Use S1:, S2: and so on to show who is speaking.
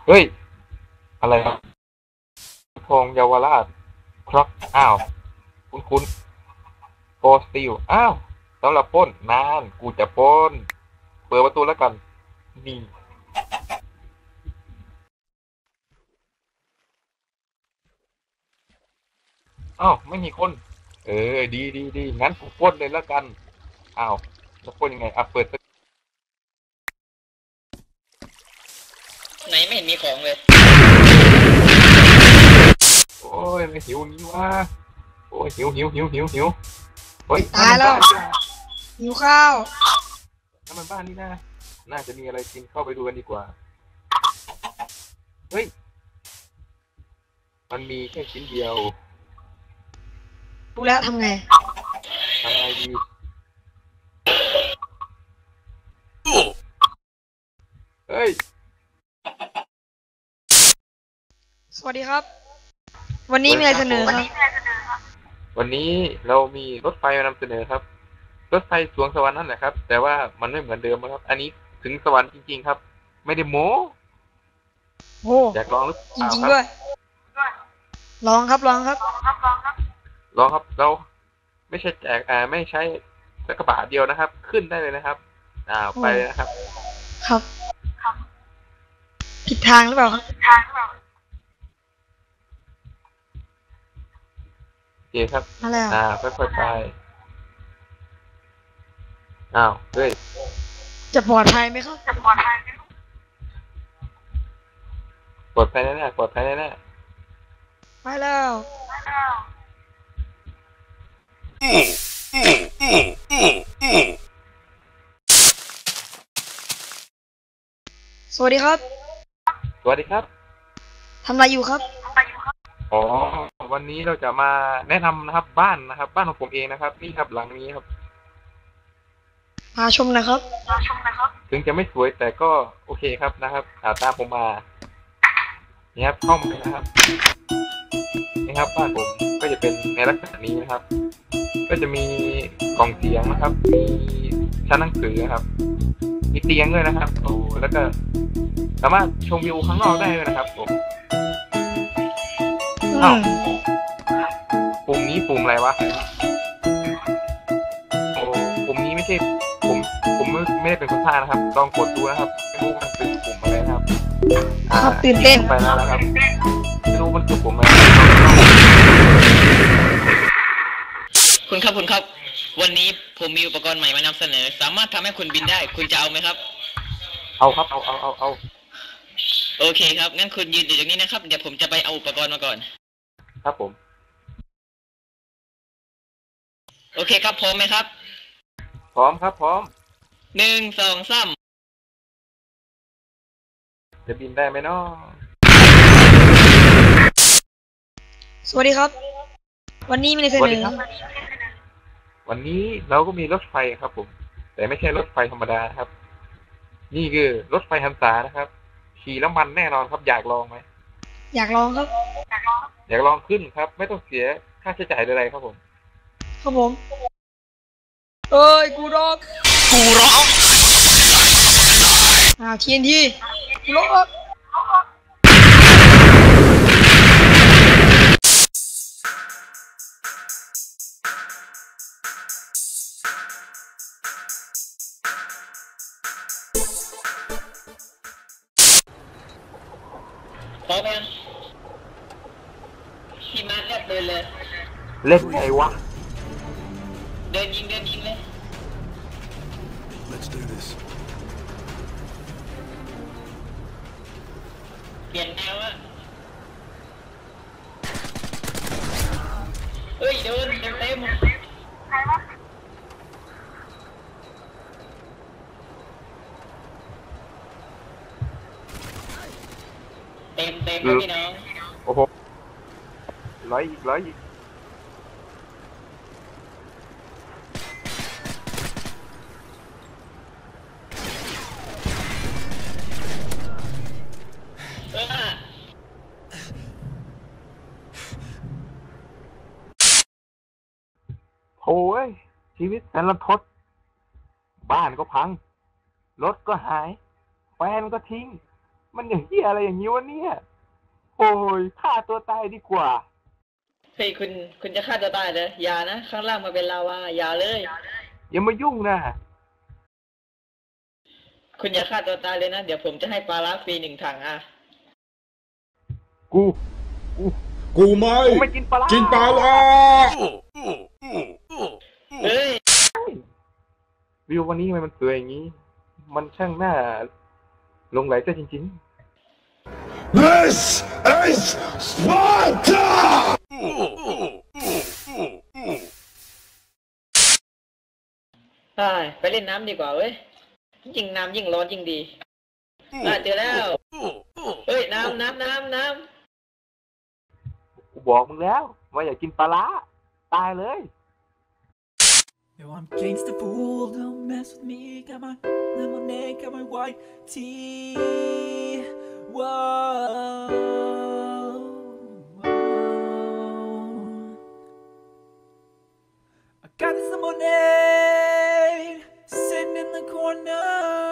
S1: เฮ้ยอะไรครับทองเยาวราชคร็อกอ้าวคุณโฟสติลอ้าวสำหรับปล้นนานกูจะปล้นเปิดประตูแล้วกันนี่อ้าวไม่มีคนดีงั้นกูปล้นเลยแล้วกันอ้าวจะปล้นยังไงอ่ะเปิด
S2: ไหนไม่เห็นมีของเลย
S1: โอ้ยไม่หิวนี้วะโอ้ยหิวเฮ้ย
S3: ตายแล้วหิวข้าว
S1: น้ำมันบ้านนี่นะน่าจะมีอะไรกินเข้าไปดูกันดีกว่าเฮ้ยมันมีแค่ชิ้นเดียว
S3: รู้แล้วทำไง
S1: ทำไงดีเฮ้ย
S3: สวัสดีครับวันนี้มีอะไรเสนอครับ
S1: วันนี้เรามีรถไฟมานำเสนอครับรถไฟสวงสวรรค์นั่นแหละครับแต่ว่ามันไม่เหมือนเดิมครับอันนี้ถึงสวรรค์จริงๆครับไม่ได้โม้
S3: โอ้
S1: อยากลองหรือ
S3: จ
S1: เปล่า
S3: ริงๆ
S1: ครับ
S3: ด้วยลองครับ
S1: ลองครับเราไม่ใช่แจกไม่ใช้สักกระบาทเดียวนะครับขึ้นได้เลยนะครับไปนะครับ
S3: ครับผิดทางหรือเปล่าครับ
S1: โอเคครับ
S3: อะไร
S1: ค่อยๆไปอ้าวเฮ้ย
S3: จะปลอดภัยไหมครับ
S1: ปลอดภัยแน่ๆปลอดภัยแน่
S3: ไปแล้วสวัสดีครับ
S1: ๆสวัสดีครับ
S3: ทำอะไรอยู่ครับ
S1: อ๋อวันนี้เราจะมาแนะนำนะครับบ้านนะครับบ้านของผมเองนะครับนี่ครับหลังนี้ครับ
S3: พาชมนะครับ
S1: ถึงจะไม่สวยแต่ก็โอเคครับนะครับตามผมมานี่ครับห้องนะครับนี่ครับบ้านผมก็จะเป็นในลักษณะนี้นะครับก็จะมีกล่องเสียงนะครับมีชั้นหนังสือนะครับมีเตียงด้วยนะครับโอ้แล้วก็สามารถชมวิวข้างนอกได้ด้วยนะครับผมอ้าวปุ่มนี้ปุ่มอะไรวะโอ้ปุ่มนี้ไม่ใช่ผมไม่ได้เป็นคนพากย์นะครับลองกดดูนะครับไม่รู้มันเป็นปุ่มอะไรนะครับ
S3: ครับตื่นเต้น
S1: ไปแล้วนะครับไม่รู้มันคือปุ่มอะไร
S2: คุณครับวันนี้ผมมีอุปกรณ์ใหม่มานำเสนอสามารถทำให้คุณบินได้คุณจะเอาไหมครับ
S1: เอาครับเอา
S2: โอเคครับงั้นคุณยืนอยู่ตรงนี้นะครับเดี๋ยวผมจะไปเอาอุปกรณ์มาก่อน
S1: ครับผม
S2: โอเคครับพร้อมไหมครับ
S1: พร้อมครับพร้อม
S2: 1 2 3
S1: จะบินได้ไหมเนาะ
S3: สวัสดีครับวันนี้มีอะไรเสนอ
S1: วันนี้เราก็มีรถไฟครับผมแต่ไม่ใช่รถไฟธรรมดาครับนี่คือรถไฟหันษานะครับขี่แล้วมันแน่นอนครับอยากลองไหม
S3: อยากลองครับ
S1: อยากลองขึ้นครับไม่ต้องเสียค่าใช้จ่ายใดๆครับผม
S3: ครับผมเอ้ยกูร้องTNT กูร้อง
S2: พร้อมยังพี่มาร์คเดินเลย
S1: เล่นไงวะ
S2: เดินยิงเลย
S4: Let's do this
S2: เปลี่ยนแนวอะเฮ้ยเดินเต็มครับพี่น้อง
S1: โอ้โหร้อยอีกโอ้ยชีวิตแสนรันทดบ้านก็พังรถก็หายแฟนก็ทิ้งมันอย่างเหี้ยอะไรอย่างนี้วะเนี่ยโอ้ยฆ่าตัวตายดีกว่า
S2: เฮ้ยคุณจะฆ่าตัวตายเลยอย่านะข้างล่างมาเป็นลาวาอย่าเลย
S1: อย่ามายุ่งนะ
S2: คุณอย่าฆ่าตัวตายเลยนะเดี๋ยวผมจะให้ปลาร้าฟรี1 ถังอ่ะ
S1: กูกู
S4: กูไม่
S1: กูไม่กินปลาร้า
S4: กินปลาร้า
S2: เฮ้ย
S1: วิววันนี้ทำไมมันสวยอย่างนี้ มันช่างน่าหลงไหลซะจริง
S4: This is Sparta
S2: ไปเล่นน้ำดีกว่าเว้ยยิ่งน้ำยิ่งร้อนยิ่งดีเจอแล้วเฮ้ยน้ำ
S1: ๆ กูบอกมึงแล้วว่าอย่ากินปลาร้าตายเลย
S5: Yo, I'm gangsta fool, don't mess with me. Got my lemonade, got my white tea. Whoa, whoa. I got this lemonade sitting in the corner.